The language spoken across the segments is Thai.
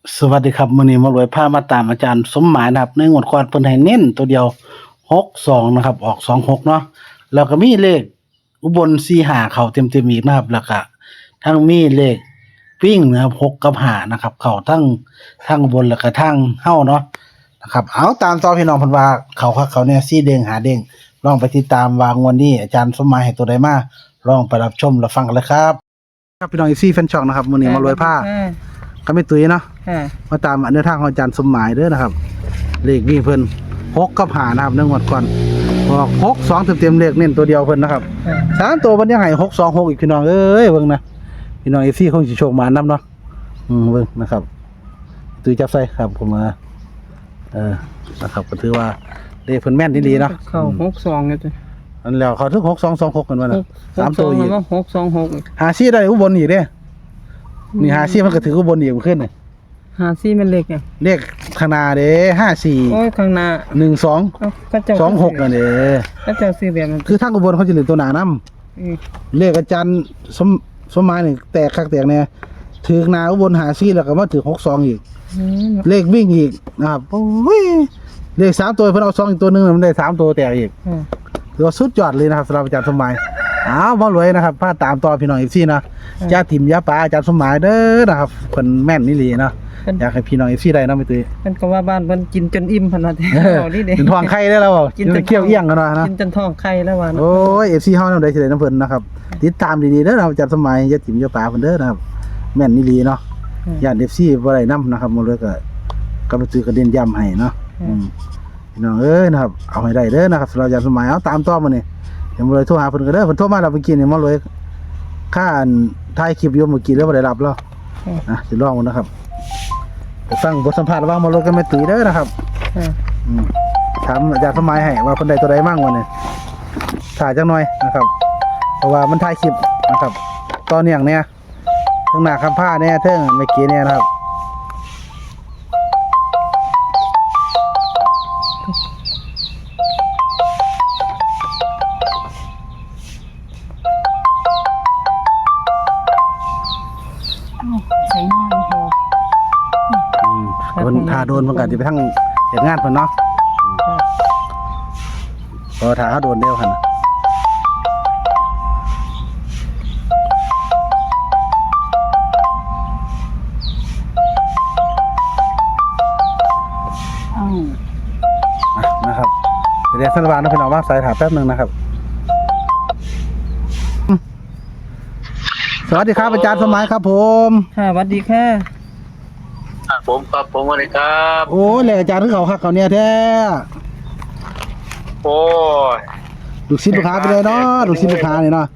สวัสดีครับมื้อนี้มารวยพามาตามอาจารย์สมหมายนะครับในงวดก่อนเพิ่นให้เน้นตัวเดียว62นะครับออก26เนาะแล้วก็มีเลขอุบล45เข้าเต็มๆอีกนะครับแล้วก็ทั้งมีเลขวิ่งนะครับ6กับ5นะครับเข้าทั้งอุบลแล้วก็ทั้งเฮาเนาะนะครับเอาตามต่อพี่น้องเพิ่นว่าเข้าคักเขาเนี่ย4เด้ง5เด้งลองไปติดตามว่างวดนี้อาจารย์สมหมายให้ตัวใดมาลองไปรับชมรับฟังกันเลยครับครับพี่น้องอีซี่แฟนช่องนะครับมื้อนี้มารวยพาก็ไม่ตุ้ยเนาะมาตามอันเดินทางของอาจารย์สมหมายเด้อนะครับเลขวิ่งเพิ่น6กับ5นะครับเนื่องวดก่อนบอก6 2เต็มๆเลขเน้นตัวเดียวเพิ่นนะครับ3ตัวเพิ่นยังให้6 2 6อีกพี่น้องเอ้ยเบิ่งนะพี่น้อง FC คงสิโชคมานำเนาะเบิ่งนะครับตุ้ยจับใส่ครับผมมานะครับก็ถือว่าเลขเพิ่นแม่นดีๆเนาะเข้า62เนี่ยจ้ะอันแล้วเขาถึง6 2 2 6กันว่าน่ะ3ตัวอีก 626 หาซี่ได้อุบลอีกเด้นี่หาซี่มันก็ถืออุบลอีกขึ้นนี่ 54มันเลขไงเลขข้างหน้าเด้54 โอ้ยข้างหน้า 12 ก็เจ้า 26นั่นเด้ก็เจ้าซื้อแบบนั้นคือทางอุบลเขาจะเหลือตัวหน้านำเลขอาจารย์สมหมายนี่แตกคักแตกแน่ถือหน้าอุบล54แล้วก็มาถือ62อีกเลขวิ่งอีกนะครับโอ้ยเลข3ตัวเพิ่นเอา2อีกตัวนึงมันได้3ตัวแตกอีกถือว่าสุดยอดเลยนะครับสำหรับอาจารย์สมหมายมารวยนะครับพาตามต่อพี่น้องอีกซี่นะอย่าถิ่มอย่าปาอาจารย์สมหมายเด้อนะครับเพิ่นแม่นนี่หลีนะอยากให้พี่น้องอีกซี่ได้เนาะไม่ตุ้ยเพิ่นก็ว่าบ้านเพิ่นกินจนอิ่มเพิ่นว่าเอาดิเด้กินทองไข่ได้แล้วกินเคี้ยวเอี้ยงกันนะกินจนท้องไข่แล้วว่าโอ้ย FC เฮานำได้สิได้น้ำเพิ่นนะครับติดตามดีๆเด้อนะครับอาจารย์สมหมายอย่าถิ่มอย่าปาเพิ่นเด้อนะครับแม่นนี่หลีเนาะญาติ FC บ่ได้นำนะครับมารวยก็ไปซื้อกระเด็นย้ำให้เนาะพี่น้องเอ้ยนะครับเอาให้ได้เด้อนะครับสำหรับอาจารย์สมหมายเอาตามต่อมานี่เดี๋ยวมาเลยโทรหาเพิ่นก็เด้อเพิ่นโทรมาแล้วเมื่อกี้นี่มาเลยค่าถ่ายคลิปอยู่เมื่อกี้แล้วบ่ได้รับแล้วสิลองมันนะครับไปฟังบทสัมภาษณ์ระหว่างมาเลยกับแม่ตุ้ยเด้อนะครับถามอาจารย์สมหมายให้ว่าเพิ่นได้ตัวใดมั่งวันนี้ถ่ายจักหน่อยนะครับเพราะว่ามันถ่ายคลิปนะครับตอนอย่างเนี้ยทั้งหน้าคำผ้าเนี่ยเทิงเมื่อกี้เนี่ยนะครับใส่หน้าพอเพิ่นถ้าโดนเพิ่นก็สิไปทั้งเฮ็ดงานเพิ่นเนาะพอถ้าเขาโดนเดียวหั่นนะครับเดี๋ยวสันวานนะพี่น้องว่าสายถามแป๊บนึงนะครับสวัสดีครับอาจารย์สมหมายครับผมสวัสดีค่ะผมครับผมสวัสดีครับโอ้เลยอาจารย์ที่เขาคักเขาเนี่ยแท้โอ้ยลูกศิษย์ลูกหาไปเลยเนาะลูกศิษย์ลูกหาเนี่ยเนาะ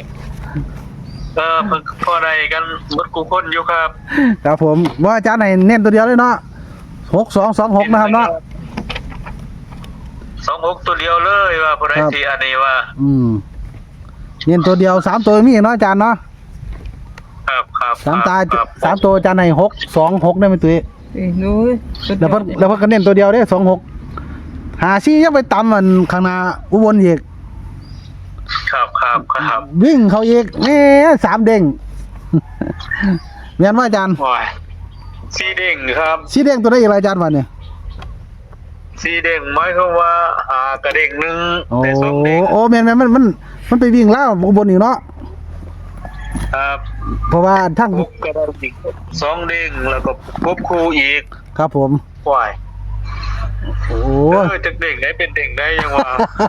เพิ่งพอได้กันหมดกูคนอยู่ครับครับผมว่าอาจารย์ไหนเน้นตัวเดียวเลยเนาะ6226นะครับเนาะ 26ตัวเดียวเลยว่าพอได้ที่อันนี้ว่าเน้นตัวเดียว3ตัวมีเนาะอาจารย์เนาะครับ 3ตัวอาจารย์ไหน626ได้มั้ยตุ้ยดูแล้วเพิ่นก็เน้นตัวเดียวเด้26หาซี่ยังไปตำมันข้างหน้าอุบลอีกครับวิ่งเขาอีกแหม3เด้งแม่นว่าอาจารย์โอ้ยสีเด้งครับสีเด้งตัวได้อีกอาจารย์ว่าเนี่ยสีเด้งหมายความว่ากระเด้งนึงแต่2เด้งโอ้แม่นมันไปวิ่งแล้วอุบลอีกเนาะครับเพราะว่าทั้งกระเด้งอีก2เด้งแล้วก็ควบคู่อีกครับผมว้ายโอ้จักเด้งได้เป็นเด้งได้ยังว่า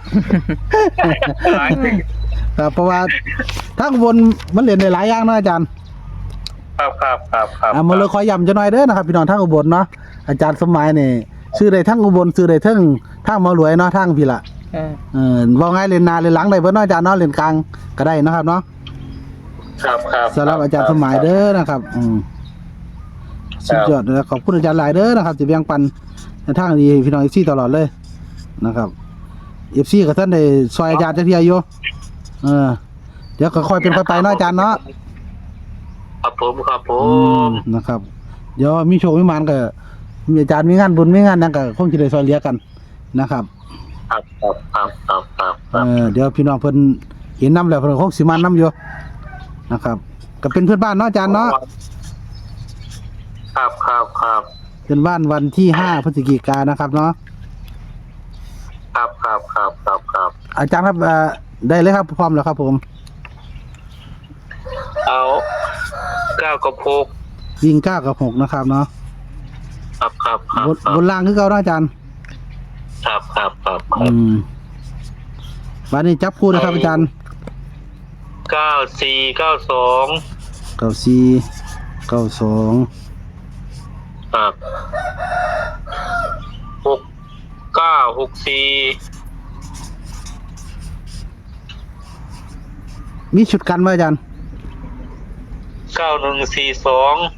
ครับเพราะว่าทั้งอุบลมันเล่นได้หลายอย่างเนาะอาจารย์ครับมาเลยขอย้ำจะหน่อยเด้อนะครับพี่น้องทั้งอุบลเนาะอาจารย์สมหมายนี่ชื่อได้ทั้งอุบลชื่อได้ทั้งมารวยเนาะทั้งพี่ละว่าไงเล่นหน้าเล่นหลังได้เบิ่เนาะอาจารย์เนาะเล่นกลางก็ได้นะครับเนาะครับสำหรับอาจารย์สมหมายเด้อนะครับสุดยอดเลยขอบคุณอาจารย์หลายเด้อนะครับจะแบ่งปันในทางดีพี่น้อง FC ตลอดเลยนะครับ FC กับท่านได้ซอยอาจารย์จักเที่ยอยู่เดี๋ยวก็ค่อยเป็นค่อยไปเนาะอาจารย์เนาะครับผมนะครับเดี๋ยวมีโชคมีหมานก็มีอาจารย์มีงานบุญมีงานนั่นก็คงจะได้ซอยเหลือกันนะครับเดี๋ยวพี่น้องเพิ่นเห็นน้ำแล้วเพิ่นคงสิมาน้ำอยู่นะครับก็เป็นเพื่อนบ้านเนาะอาจารย์เนาะครับครับครับเป็นบ้านวันที่5พฤศจิกายนนะครับเนาะครับครับครับครับครับอาจารย์ครับได้เลยครับพร้อมแล้วครับผมเอา9กับ6 วิ่ง9กับ6นะครับเนาะครับครับครับบนล่างคือเก่าเนาะอาจารย์ครับครับครับวันนี้จับคู่นะครับอาจารย์ 9492 94 92 ครับ6964 มีชุดกันไหมอาจารย์ 9142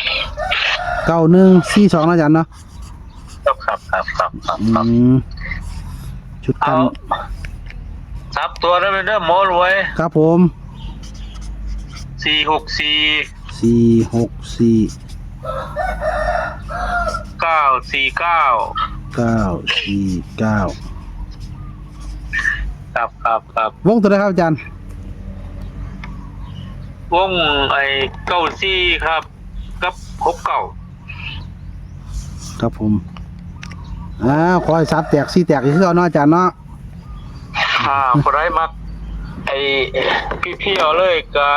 9142นะอาจารย์เนาะครับครับครับครับชุดกัเอานซับตัวนั้นเป็นเรื่องหมอรวยครับผม 464 464 949 949 ครับครับครับวงตัวไหนครับอาจารย์วงไอ้94ครับกับ69 ครับผมขอให้ซับแตกซี่แตกอีกคือเอาเนาะอาจารย์เนาะพอได้มักไอ้พี่เอาเลยกับ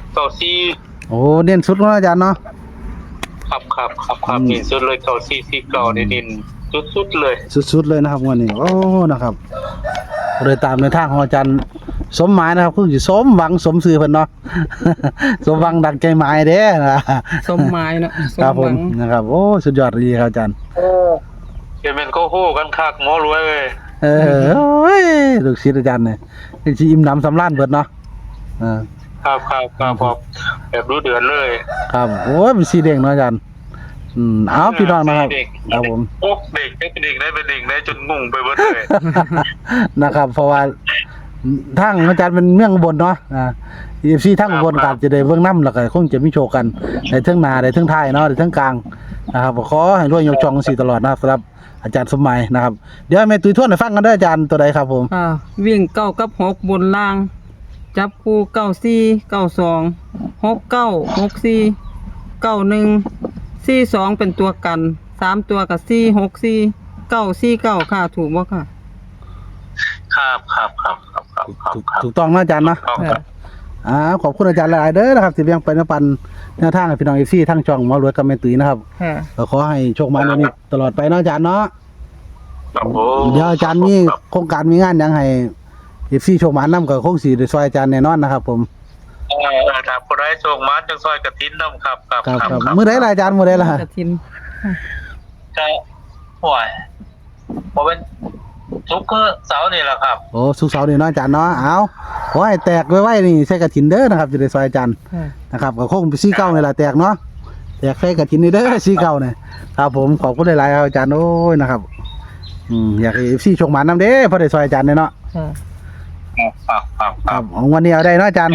94 โอ้เน้นสุดเนาะอาจารย์เนาะครับครับครับครับนี่สุดเลย9449นี่ดินสุดๆเลยสุดๆเลยนะครับวันนี้โอ้นะครับเลยตามในทางของอาจารย์สมหมายนะครับคือสิสมหวังสมซื่อเพิ่นเนาะ สมหวังดังใจหมายเด้นะสมหมายเนาะสครับผมหวังนะครับโอ้สุดยอดดีครับอาจารย์เดี๋ยวมันก็โหกันคักหมอรวยเว้ยโอ้ยลูกศิษย์อาจารย์เนี่ยสิอิ่มหนำสำราญเบิดเนาะอ่าครับครับครับครับแบบรู้เดือนเลยครับโอ้ยเป็นสีแดงเนาะอาจารย์เอาพี่น้องนะครับครับผมโอ้เด็กเป็นเด็กได้จนงงไปหมดเลยนะครับ เพราะว่าทางอาจารย์เป็นเมืองอุบลเนาะFC ทางอุบลก็จะได้เบิ่งนำแล้วก็คงจะมีโชว์กันในเทิงหน้าในเทิงท้ายเนาะในเทิงกลางนะครับขอให้รวยยกช่องจังซี่ตลอดนะครับสำหรับอาจารย์สมหมัยนะครับเดี๋ยวให้แม่ตุ้ยทวนให้ฟังกันเด้ออาจารย์ตัวใดครับผมวิ่ง9กับ6บนล่าง จับคู่94 92 69 64 91 42เป็นตัวกัน3ตัวกับ4 64 949ค่ะถูกบ่ค่ะครับครับครับครับครับครับครับถูกต้องนะอาจารย์เนาะครับขอบคุณอาจารย์หลายๆเด้อนะครับที่แบ่งปันแนวทางให้พี่น้อง FC ทั้งช่องหมอรวยกับแม่ตุ้ยนะครับค่ะก็ขอให้โชคมาในนี้ตลอดไปเนาะอาจารย์เนาะครับผมเดี๋ยวอาจารย์มีโครงการมีงานหยังให้ FC โชคมานำก็คงสิได้ซอยอาจารย์แน่นอนนะครับผมครับคนได้โชคมาจังซอยกระทินน้ำครับครับครับมื้อใดล่ะอาจารย์มื้อใดล่ะกฐินจะห่วยผมเป็นทุกเสาร์นี่แหละครับโอ้สุกร์เสาร์นี่เนาะอาจารย์เนาะเอาขอให้แตกไว้ๆนี่ใส่กฐินเด้อนะครับจะได้ซอยอาจารย์ค่ะนะครับก็คงเป็น49นี่ล่ะแตกเนาะแตกใส่กฐินนี่เด้อ49นี่ครับผมขอบคุณหลายๆครับอาจารย์โอ้ยนะครับอยากให้ FC โชคมานำเด้อพอได้ซอยอาจารย์เนาะค่ะครับครับคครัรับบของวันนี้เอาได้เนาะอาจารย์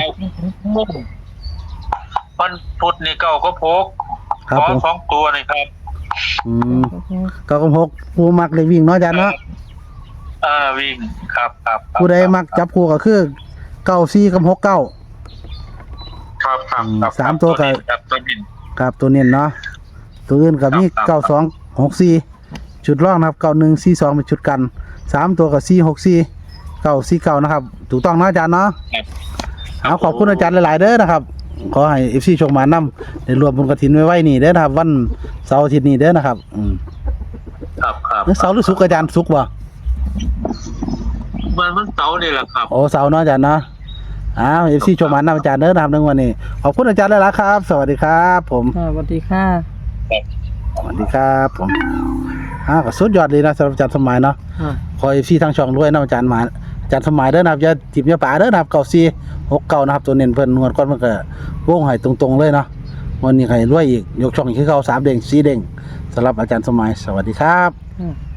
วันพุธนี่เก่าก็พกครับผมสองตัวนี่ครับก็กำหกผู้มักเลยวิ่งเนาะอาจารย์เนาะวิ่งครับครับผู้ใดมักจับคู่ก็คือ94กับ69 ครับครับครับสามตัวกับครับตัวบินครับตัวเน้นเนาะตัวอื่นก็มีครับ 9264ชุดรองนะครับ9142เป็นชุดกัน3ตัวกับ464 949นะครับถูกต้องเนาะอาจารย์เนาะครับขอบคุณอาจารย์หลายๆเด้อนะครับขอให้ FC โชคมานำได้รวมบุญกฐินไว้นี่เด้อนะครับวันเสาร์อาทิตย์นี้เด้อนะครับครับครับเสาร์หรือศุกร์อาจารย์ศุกร์บ่มันเสาร์นี่แหละครับโอ้เสาร์เนาะอาจารย์เนาะFC โชคมานำอาจารย์เด้อนะครับในวันนี้ขอบคุณอาจารย์หลายๆครับ สวัสดีครับผมสวัสดีค่ะสวัสดีครับผมก็สุดยอดเลยนะสำหรับอาจารย์สมัยเนาะค่ะขอ FC ทางช่องด้วยนะอาจารย์หมาอาจารย์สมัยเด้อนะครับอย่าทิมอย่าป่าเด้อนะครับ9469นะครับตัวเน้นเพิ่นนวดก่อนมันก็วงให้ตรงๆเลยเนาะวันนี้ใครรวยอีกยกช่องอีกคือเก่า3เด้ง4เด้งสำหรับอาจารย์สมัยสวัสดีครับค่ะ